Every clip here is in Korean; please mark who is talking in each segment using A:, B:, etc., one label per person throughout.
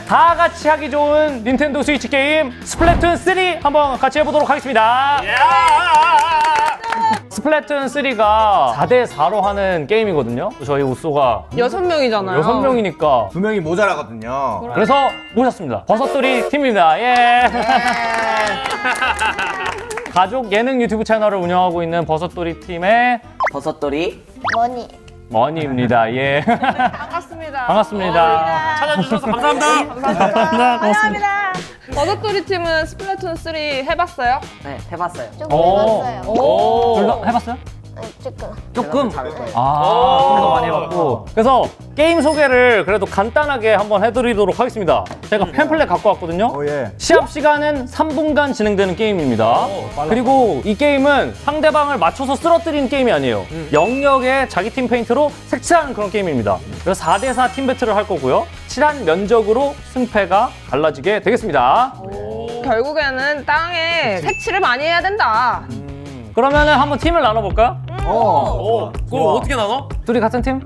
A: 다 같이 하기 좋은 닌텐도 스위치 게임 스플래툰 3 한번 같이 해보도록 하겠습니다. 스플래툰 3가 4대4로 하는 게임이거든요. 저희 우쏘가
B: 6명이잖아요.
A: 6명이니까
C: 2명이 모자라거든요.
A: 그래서 모셨습니다. 버섯돌이 팀입니다. 예. 가족 예능 유튜브 채널을 운영하고 있는 버섯돌이 팀의
D: 버섯돌이
A: 머니입니다. 예.
B: 반갑습니다.
A: 반갑습니다.
E: 찾아주셔서 감사합니다.
B: 감사합니다. 버섯돌이 팀은 스플래툰 3 해봤어요?
D: 네 해봤어요.
F: 조금 해봤어요.
A: 둘 다 해봤어요? 조금?
D: 잘할 거예요.
A: 좀 더 많이 해봤고. 그래서 게임 소개를 그래도 간단하게 한번 해드리도록 하겠습니다. 제가 팸플렛 갖고 왔거든요. 시합 시간은 3분간 진행되는 게임입니다. 그리고 이 게임은 상대방을 맞춰서 쓰러뜨리는 게임이 아니에요. 영역에 자기 팀 페인트로 색칠하는 그런 게임입니다. 그래서 4대4 팀 배틀을 할 거고요. 칠한 면적으로 승패가 갈라지게 되겠습니다.
B: 결국에는 땅에 색칠을 많이 해야 된다.
A: 그러면은 한번 팀을 나눠볼까요?
E: 그거 어떻게 나눠?
A: 둘이 같은 팀?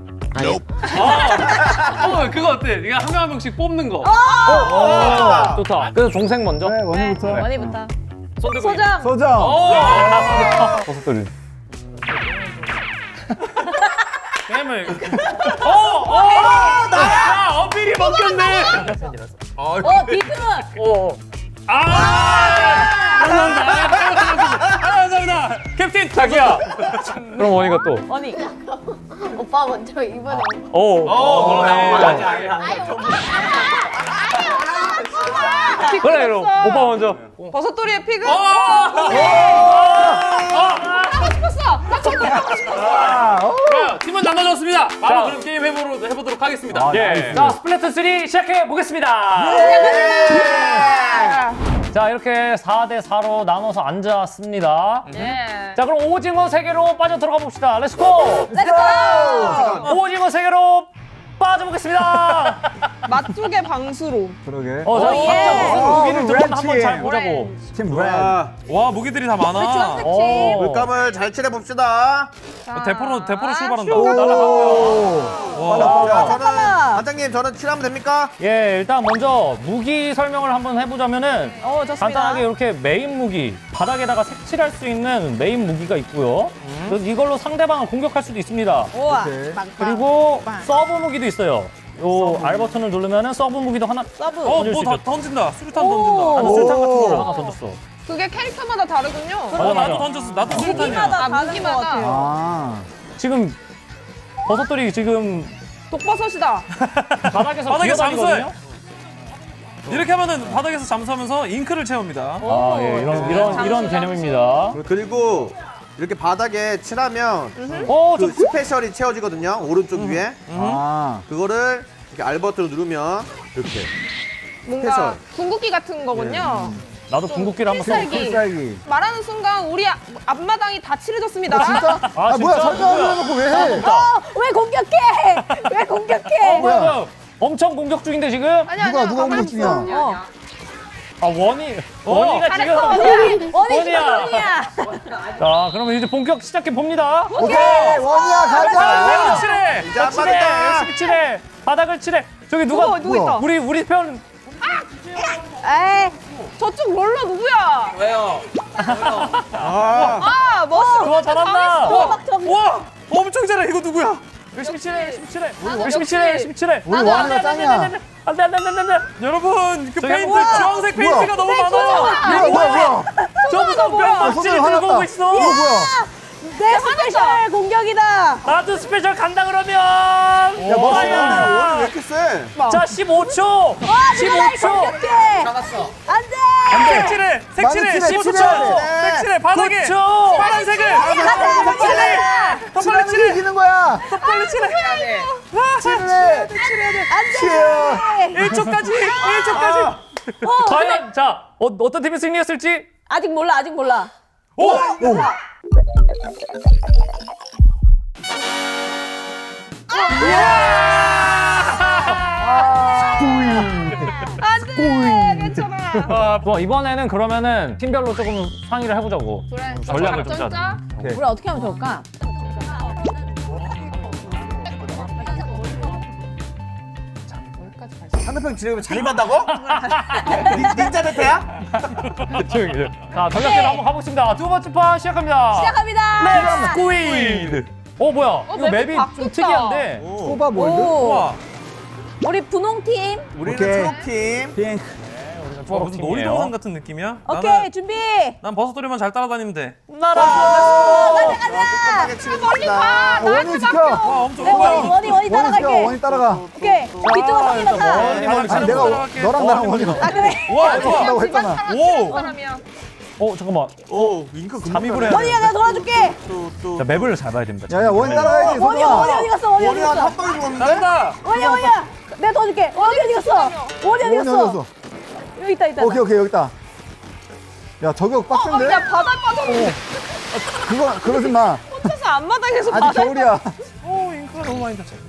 E: 그거 어때? 네가 한 명 한 명씩 뽑는 거.
A: 좋다. 그래서 동생 먼저.
G: 네, 원희부터.
B: 원희부터.
E: 손 들고.
B: 소장.
G: 소정.
A: 버섯돌이.
E: 게임을. 야, 어필이 먹혔네.
B: 비트는.
E: 감사합니다. 캡틴
A: 자기야. 그럼 원희가 또.
B: 원희.
F: 오빠 먼저 이번에.
A: 그래 그럼 오빠 먼저.
B: 버섯돌이의 픽은?
E: 그래요. 팀은 나눠졌습니다. 바로 그럼 게임 해보도록 하겠습니다.
A: 예. 자 스플래툰 3 시작해 보겠습니다. 자 이렇게 4대4로 나눠서 앉았습니다.
B: 예.
A: 자 그럼 오징어 세계로 빠져 들어가 봅시다. 렛츠고. 오징어 세계로 빠져보겠습니다.
B: 맛쪽의 방수로.
G: 그러게.
A: 자 각자 무기를 좀 한번
G: 렌치.
A: 잘 보자고.
G: 팀 브랜드.
E: 와, 무기들이 다 많아.
C: 물감을 잘 칠해봅시다.
E: 대포로 출발한다.
C: 자, 저는 반장님 저는 칠하면 됩니까?
A: 예, 일단 먼저 무기 설명을 한번 해보자면은
B: 좋습니다.
A: 간단하게 이렇게 메인 무기, 바닥에다가 색칠할 수 있는 메인 무기가 있고요. 그래서 이걸로 상대방을 공격할 수도 있습니다.
B: 우와.
A: 그리고 서브 무기도 있어요. 요 R 버튼을 누르면은 서브 무기도 하나
B: 서브.
A: 던질 수
E: 뭐
A: 있죠.
E: 던진다. 수류탄 던진다.
A: 나는 술탄 같은 걸 하나 던졌어.
B: 그게 캐릭터마다 다르군요.
A: 맞아, 맞아.
E: 나도 던졌어. 나도 수류탄이야.
B: 무기마다.
G: 아.
A: 지금 버섯돌이 지금
B: 독버섯이다.
A: 바닥에서
E: 바닥에
A: 기어다니거든요.
E: 이렇게 하면은 바닥에서 잠수하면서 잉크를 채웁니다.
A: 아, 예, 이런 개념입니다.
C: 그리고 이렇게 바닥에 칠하면
A: 좀
C: 스페셜이 채워지거든요. 오른쪽 위에.
G: 아.
C: 그거를 이렇게 R 버튼을 누르면 이렇게.
B: 뭔가
C: 스페셜.
B: 궁극기 같은 거군요.
A: 나도 궁극기를 한번 써.
B: 필살기.
G: 필살기.
B: 말하는 순간 우리 앞마당이 다 칠해졌습니다.
G: 아, 뭐야? 설명을 해놓고 왜 해?
F: 왜 공격해? 왜 공격해?
A: 뭐야? 엄청 공격 중인데 지금?
G: 누가 공격 중이야?
A: 아 원희가 지금 원희야. 자 그러면 이제 본격 시작해 봅니다.
G: 오케이, 원이야 가자.
A: 칠해.
C: 이제 안
A: 칠해.
C: 맞다.
A: 열심히 칠해. 바닥을 칠해. 저기 누가
B: 누구 있다?
A: 우리 편.
F: 에이,
B: 저쪽 롤러 누구야?
E: 왜요?
B: 멋있어.
A: 좋아 잘한다.
E: 와, 엄청 잘해. 이거 누구야?
A: 열심히 칠해. 열심히 칠해. 열심히 칠해. 열심히 칠해.
G: 우리 원이가 짱이야.
A: 안돼.
E: 여러분, 그
A: 저기
E: 페인트,
A: 뭐야?
E: 주황색 페인트가 너무 많아.
G: 뭐야?
A: 저 무슨 병박지를
G: 손을
A: 들고
G: 화났다.
A: 오고 있어.
G: 이거 뭐야?
F: 내 스페셜 공격이다.
A: 나도 스페셜 간다 그러면.
G: 야, 멋있어.
A: 과연.
C: 왜 이렇게 세?
A: 자 15초. 15초.
F: 공격해.
D: 잡았어.
F: 안돼.
E: 색칠해,
G: 많이 칠해,
E: 15초.
G: 칠해.
E: 색칠해, 바닥에.
A: 9초.
E: 파란색을.
G: 칠해. 칠하면 이기는 거야.
E: 빨리 칠해.
G: 칠해. 칠해.
E: 1초까지. 1초까지.
A: 과연 자 어떤 팀이 승리했을지.
F: 아직 몰라. 아직 몰라.
E: 오!
B: 안돼. 괜찮아.
A: 뭐 이번에는 그러면은 팀별로 조금 상의를 해보자고.
B: 그래.
A: 전략을 좀 짜자.
F: 우리 어떻게 하면 좋을까?
C: 상대편 진행하면 자립한다고? 닌자 대태야?
A: 조용히 해. 자, 전략대로 한번 가보겠습니다. 두 번째 판 시작합니다.
F: 시작합니다.
A: 스퀴드. 뭐야? 이거
B: 맵이
A: 맵이 좀
B: 바뀌었다.
A: 특이한데.
G: 소바 몰드.
F: 오. 우리 분홍팀.
C: 우리는
G: 오케이.
C: 초록팀.
G: 핑크.
E: 와, 무슨 놀이동산 같은 느낌이야?
F: 오케이, 준비.
E: 난 버섯돌이만 잘 따라다니면 돼.
F: 가자, 가자.
C: 꼼꼼하게 치르겠습니다.
G: 원이 지켜.
E: 와, 엄청
F: 네,
E: 뭐야?
F: 원이
G: 원이 지켜.
F: 따라갈게.
G: 원이 따라가.
F: 오케이. 뒤쪽으로 확인해서 가.
A: 원이 멀리
G: 아니 내가
E: 따라갈게.
G: 너랑 나랑 원이가.
F: 아, 그래.
E: 와, 좋아.
G: 한다고 했잖아.
E: 오!
B: 사람이야.
A: 잠깐만.
C: 오, 윙크 금방
A: 잠입을 해야
F: 원이야, 내가 도와줄게.
C: 또.
A: 자, 맵을 잘 봐야 됩니다.
G: 야야 원이 따라가야지.
F: 원이
G: 소정아.
F: 어디 갔어? 원이 어디
C: 원이
F: 갔어?
C: 한 방에 죽었는데?
E: 잘한다!
F: 원이야. 내가 도와줄게. 원이 어디 갔어? 원이 어디
G: 원이
F: 갔어?
G: 어디였어?
F: 여기 있다, 있다.
G: 오케이 여기 있다. 야 저격 빡센데?
B: 야, 바닥 빠졌는데.
G: 그거 그러지 마.
B: 혼자서 앞마당에서
G: 아직
B: 바닥.
G: 겨울이야.
E: 오, 잉크가 너무 많이 닿지.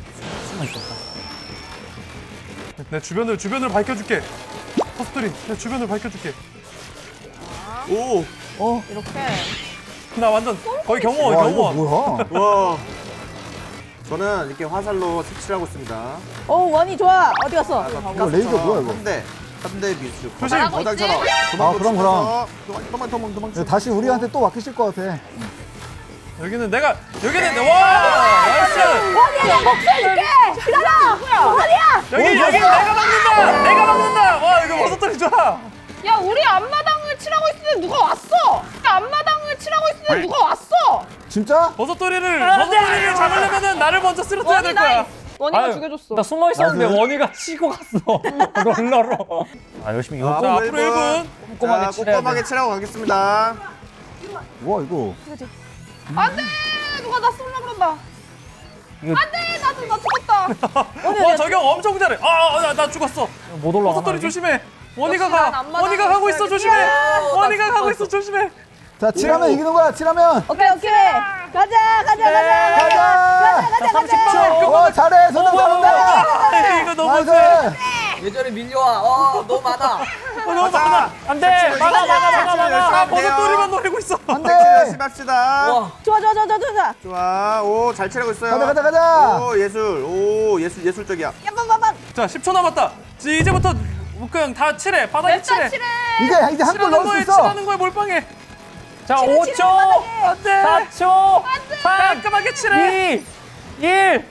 E: 내 주변을 밝혀줄게. 버섯돌이, 내 주변을 밝혀줄게.
C: 오,
B: 이렇게.
E: 나 완전 거의 경호원,
G: 와 이거
E: 경호원.
G: 뭐야?
C: 와. 저는 이렇게 화살로 색칠을 하고 있습니다.
F: 오, 원이 좋아. 어디 갔어?
G: 이거 레이저 뭐야 이거?
C: 3대 미수.
E: 조심.
C: 바닥처럼.
G: 아, 그럼.
C: 도망.
G: 다시 우리한테 또 맡기실 것 같아.
E: 여기는 와! 나이스!
F: 원이야, 내가 목소리 줄게. 기다려. 원이야.
E: 여기 내가 막는다! 와, 이거 버섯돌이 좋아!
B: 야, 우리 앞마당을 칠하고 있을 때 누가 왔어? 앞마당을 칠하고 있을 때 누가 왔어?
G: 진짜?
E: 버섯돌이를 잡으려면은 나를 먼저 쓰러뜨려야 될 거야.
B: 원이가
A: 아유,
B: 죽여줬어.
A: 나 숨어 있었는데
G: 나이스.
A: 원이가 치고 갔어. 롤러로. 열심히 이거
E: 자, 앞으로 1분.
A: 꼼꼼하게 칠해야 돼.
C: 꼼꼼하게 칠하고 가겠습니다.
G: 와 이거.
B: 안 돼! 누가 나 쏠라 그런다.
A: 이거-
B: 안 돼! 나 죽었다.
E: 와, 저격 엄청 잘해. 나 죽었어.
A: 못 올라가.
E: 버섯돌이 조심해. 원이가
B: 역시 난
E: 가.
B: 앞마당에
E: 원이가 가고 있어. 조심해.
B: 있어야겠다.
E: 원이가 가고 있어. 조심해.
G: 자 칠하면 이기는 거야. 칠하면.
F: 오케이. 가자.
G: 가자.
A: 30초.
G: 와 잘해. 소정 잘한다.
E: 이거 너무 세.
G: 나이스.
D: 예전에 밀려와. 너무 많아.
E: 너무 많아.
A: 안 돼. 막아.
E: 버섯돌이만 노리고 있어.
G: 안돼.
C: 열심히 합시다.
F: 좋아.
C: 좋아. 오, 잘 칠하고 있어요.
G: 가자.
C: 오, 예술적이야.
F: 야방방방.
E: 자, 10초 남았다. 이제부터 그냥 다 칠해. 바닥에 칠해.
G: 이제 한 골
E: 칠하는
G: 넣을 수
E: 거에
G: 있어.
E: 칠하는 거에 몰빵해.
A: 자, 5초.
E: 안 돼.
A: 4초. 3,
E: 깔끔하게 칠해.
A: 2, 1.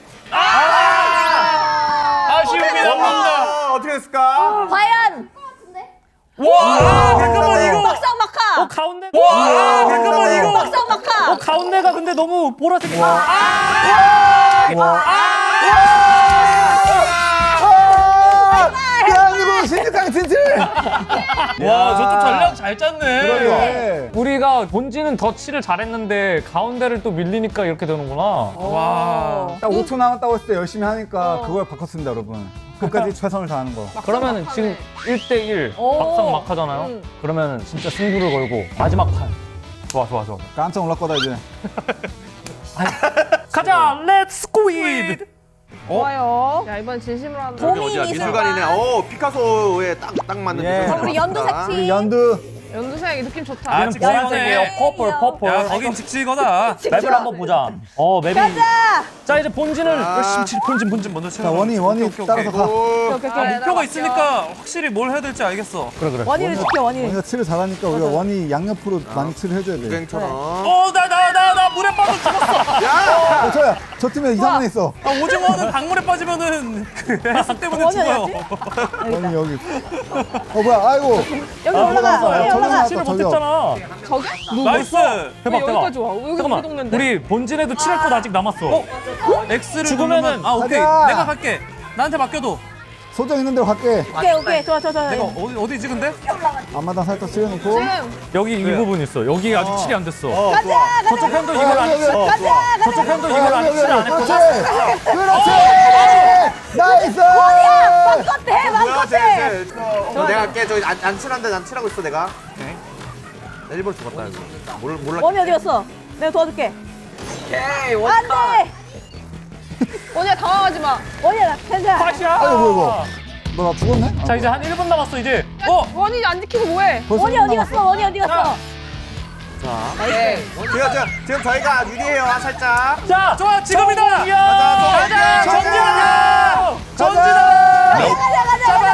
E: 아쉬움이 남는다.
C: 어떻게 됐을까?
F: 과연
E: 와, 잠깐만 이거.
F: 막상 막하.
A: 가운데.
E: 와, 잠깐만 이거.
F: 막상 막하.
A: 가운데가 근데 너무 보라색.
G: 대한민국 신입강 진출.
E: 와, 저쪽 전략 잘 짰네.
G: 그래.
A: 우리가 본진은 덧칠을 잘했는데 가운데를 또 밀리니까 이렇게 되는구나.
E: 와.
G: 딱 5초 남았다고 했을 때 열심히 하니까 그걸 바꿨습니다, 여러분. 끝까지 최선을 다하는 거.
A: 그러면은 지금 1대1
F: 오.
A: 막상 막하잖아요. 그러면은 진짜 승부를 걸고 마지막 판. 좋아.
G: 깜짝 놀랄 거다 이제.
A: 가자, 렛츠 스퀴드.
B: 좋아요. 야, 이번 진심으로 한다.
C: 여기 어디야? 미술관이네. 오, 피카소에 딱 맞는
G: 예.
C: 미술관.
F: 우리 연두
C: 맞다.
F: 색칠.
G: 우리 연두.
B: 연두색 느낌 좋다.
E: 아,
A: 얘는 보라색이에요. 퍼플.
E: 야, 거긴 직지거다.
A: 맵을 한번 보자. 맵이.
F: 가자.
A: 자, 이제 본진을
E: 열심히 칠. 본진 먼저 쳐.
G: 자 원이 따라서 가.
C: 오,
E: 목표가 있으니까 확실히 뭘 해야 될지 알겠어.
A: 그래.
F: 원이를 지켜. 원이를.
G: 원이가 칠을 잘하니까 우리가 원이 양옆으로 많이 칠을 해줘야 돼.
C: 유행처럼.
E: 나 물에 빠져 죽었어.
G: 저야 저 팀에 이상한 애 있어.
E: 오징어는 강물에 빠지면은 그 해수 때문에
F: 원이
E: 죽어요.
F: 어디였지?
G: 원이 여기. 뭐야? 아이고.
F: 여기 올라가. 원이
G: 저기
F: 올라가.
G: 나왔다,
A: 칠을
G: 저기요.
A: 못했잖아.
B: 저기?
E: 나이스.
A: 대박.
B: 여기까지 와. 여기
A: 잠깐만.
B: 동네인데.
A: 우리 본진에도 칠할 것 아직 남았어.
E: X를
A: 죽으면은
E: 누르면 오케이.
G: 가자.
E: 내가 갈게. 나한테 맡겨도.
G: 소정 있는 대로 갈게.
F: 오케이. 좋아.
E: 내가 어디지 근데?
G: 앞마당 살짝 칠해놓고.
B: 지금
A: 여기 이 부분 있어. 여기 아직 칠이 안 됐어.
F: 가자.
A: 저쪽 편도 이걸 안 칠. 저쪽 편도 이걸 안 칠 안
G: 그렇지.
A: 했거든.
G: 그렇지. 나이스.
F: 마음껏 해.
C: 뭐야,
F: 마음껏 해.
C: 내가 할게. 저기 안 칠한데 난 칠하고 있어, 내가. 나 일본 죽었다, 이거. 몰라.
F: 원이 어디 갔어? 내가 도와줄게.
D: 오케이.
F: 안 돼.
B: 원이야, 당황하지 마.
F: 원이야. 괜찮아.
A: 팟이야.
G: 아이고 뭐야 이거. 너 나 죽었네?
A: 자, 이제 한 1분 남았어 이제.
B: 원이 안 지키고 뭐해?
G: 벌써
F: 원이 어디 갔어? 원이 어디 갔어?
D: 오케이.
C: 지금 저희가 유리해요, 살짝.
A: 자,
E: 좋아, 지금이다.
C: 가자,
A: 가자,
C: 전진하자.
A: 전진하자.
E: 전진아.
F: 가자.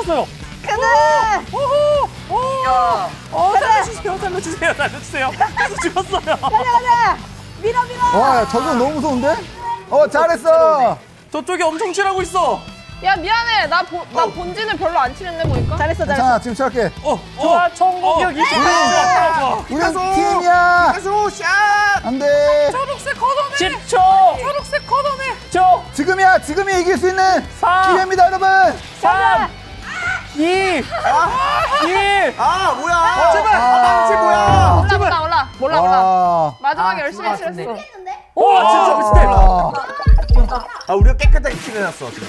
A: 죽었어요.
D: 야.
A: 살려주세요. 계속 죽었어요.
F: 가자. 밀어.
G: 와, 야, 저건 너무 무서운데? 잘했어.
E: 저쪽에 엄청 칠하고 있어.
B: 야 미안해. 나 본진을 별로 안 치는데 보니까.
F: 잘했어.
G: 자, 지금 시작해.
A: 좋아, 총공격 28초.
G: 우리는 팀이야.
C: 가수 샷.
G: 안 돼.
E: 초록색 걷어내.
A: 10초.
E: 초록색 걷어내.
A: 10초.
G: 지금이 이길 수 있는
A: 4,
G: 기회입니다, 여러분.
A: 3, 2, 1.
C: 아 뭐야? 제발. 망치 뭐야?
B: 몰라.
G: 와.
B: 마지막에
D: 아,
B: 열심히
D: 그거 같은데.
B: 칠했어.
A: 오, 진짜 비슷해.
C: 아 우리가 깨끗하게 칠해놨어 지금.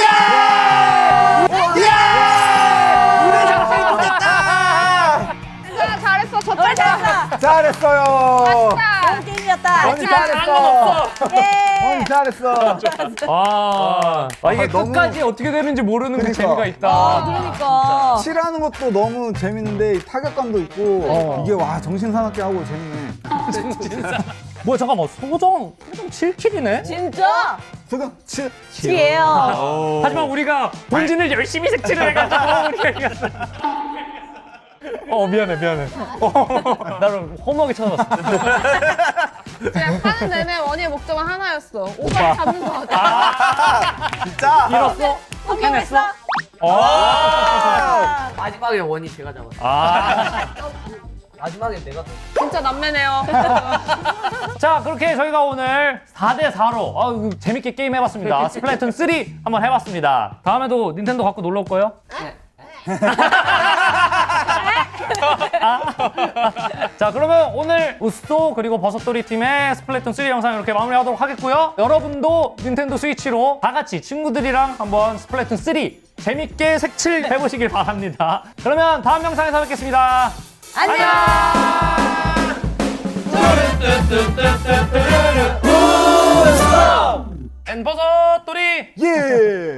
B: 괜찮아 잘했어. 졌다.
G: 잘했어요.
F: 좋은 게임이었다.
G: 언니 잘했어.
F: 예.
G: 언니 잘했어.
A: 이게
G: 너무-
A: 끝까지 어떻게 되는지 모르는 그
G: 그러니까.
A: 재미가 있다.
F: 그러니까.
G: 칠하는 것도 너무 재밌는데 이 타격감도 있고 이게 와 정신 사납게 하고 재밌네.
A: 뭐야, 잠깐만. 소정 7킬이네?
F: 진짜?
G: 소경 칠.
F: 지혜요.
A: 하지만 우리가 본진을 열심히 색칠을 해가지고 우리가 이겼어. 미안해. 나를 허무하게 찾아봤어.
B: 그냥 하는 내내 원희의 목적은 하나였어. 오빠를 잡는 거 같아.
C: 진짜.
A: 잃었어? 해냈어?
D: 마지막에 원이 제가 잡았어. 마지막에 내가 더.
B: 진짜 남매네요.
A: 자, 그렇게 저희가 오늘 4대4로 재밌게 게임 해봤습니다. 스플래툰 3 한번 해봤습니다. 다음에도 닌텐도 갖고 놀러 올 거예요? 자, 그러면 오늘 우스도 그리고 버섯돌이 팀의 스플래툰 3 영상 이렇게 마무리하도록 하겠고요. 여러분도 닌텐도 스위치로 다 같이 친구들이랑 한번 스플래툰 3 재밌게 색칠 해보시길 바랍니다. 그러면 다음 영상에서 뵙겠습니다.
F: 안녕.
E: 앤버섯돌이.
G: 예.